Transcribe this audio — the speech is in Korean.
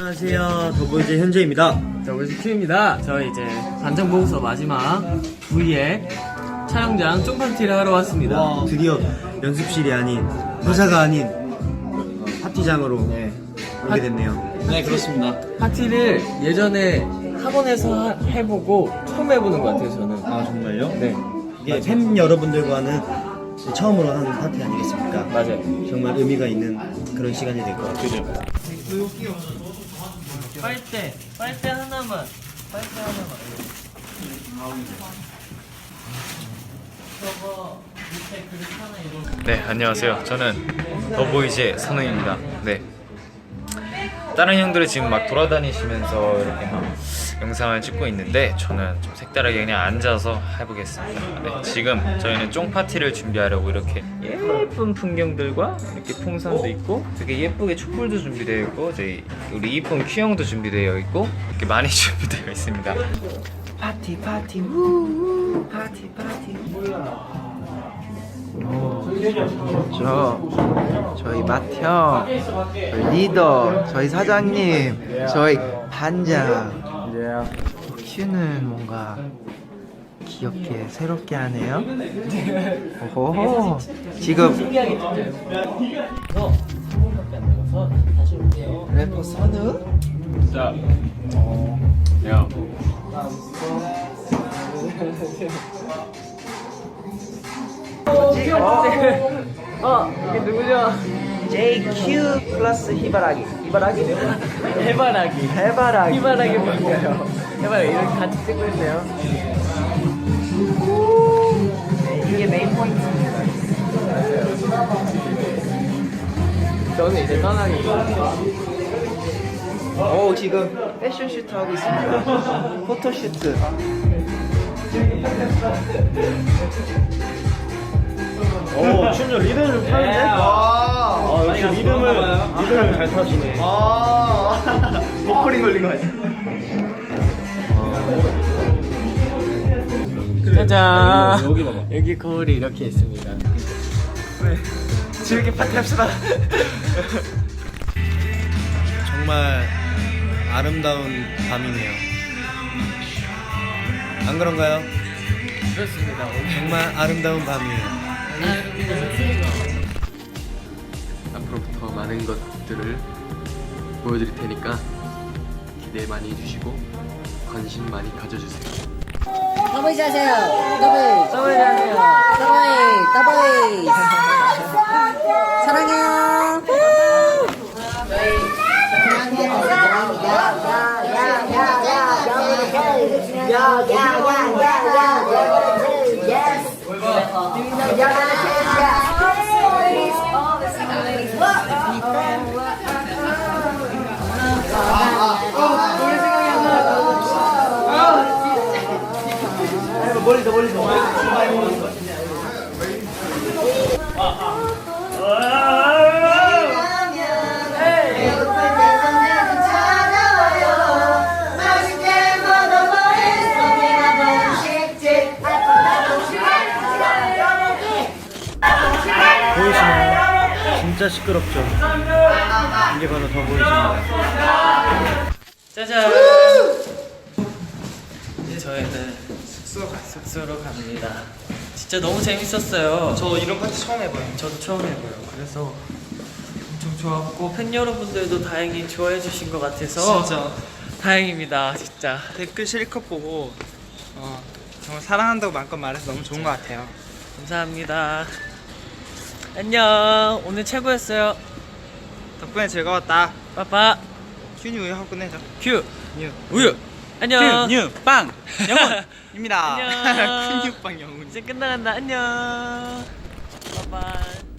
안녕하세요. 더보이즈 현재입니다. 더보이즈 큐입니다. 저희 이제 반장 보고서 마지막 V의 촬영장 쫑파티를 하러 왔습니다. 와, 드디어 연습실이 아닌 회사가 아닌 파티장으로 오게 됐네요. 네, 그렇습니다. 파티를 예전에 학원에서 해보고 처음 해보는 것 같아요, 저는. 아, 정말요? 네, 이게 팬 여러분들과는 처음으로 하는 파티 아니겠습니까? 맞아요. 정말 의미가 있는 그런 시간이 될 것 같아요. 그죠? 빨대 하나만. 네, 안녕하세요. 저는 더보이즈의 선우입니다. 네. 다른 형들은 지금 막 돌아다니시면서 이렇게 막 영상을 찍고 있는데 저는 좀 색다르게 그냥 앉아서 해보겠습니다. 네, 지금 저희는 쫑파티를 준비하려고 이렇게 예쁜 풍경들과 이렇게 풍선도 있고 되게 예쁘게 촛불도 준비되어 있고 저희 우리 이쁜 큐형도 준비되어 있고 이렇게 많이 준비되어 있습니다. 파티 파티 우 파티 파티. 저희 맏형, 저희 리더, 저희 사장님, 저희 반장. 큐는 뭔가 귀엽게 새롭게 하네요. 오호. 지금 래퍼 선우? 자, 야. 이게 누구죠? JQ 플러스 히바라기. 히바라기? 해바라기. 해바라기. 해바라기 뭔가요? 해바라기 이렇게 같이 찍고 있네요. 이게 메인 포인트입니다. 저는 이제 떠나기. 오, 지금 패션 슈트 하고 있습니다. 포토 슈트. 오, 춤을 리듬을 좀 타는데? 아, 역시 리듬을 잘 타시네. 목걸이 걸린 거 아니야? 짜잔. 여기 봐봐. 여기 거울이 이렇게 있습니다. 즐겁게 파티합시다. 정말 아름다운 밤이네요. 안 그런가요? 그렇습니다. 정말 아름다운 밤이에요. 앞으로부터 많은 것들을 보여드릴 테니까 기대 많이 해주시고 관심 많이 가져주세요. 더보이즈 하세요. 더보이즈. 더보이즈 하세요. 더보이즈. 사랑해요. 보이시나요? 진짜 시끄럽죠? 이게 바로 더보이즈입니다. 짜잔. 이제 저희는 숙소로 갑니다. 진짜 너무 재밌었어요. 저 이런 파티 처음 해봐요. 저도 처음 해봐요. 그래서 엄청 좋았고 팬 여러분들도 다행히 좋아해 주신 것 같아서 진짜 다행입니다. 진짜. 댓글 실컷 보고 정말 사랑한다고 마음껏 말해서 너무 좋은 것 같아요. 감사합니다. 안녕. 오늘 최고였어요. 덕분에 즐거웠다. 빠빠. 큐니 우유 하고 끝내자. 큐. 뉴 우유. 안녕. 큐, 뉴, 빵, 영훈입니다. 안녕. 큐뉴 빵 영훈. 이제 끝나간다. 안녕. 빠빠.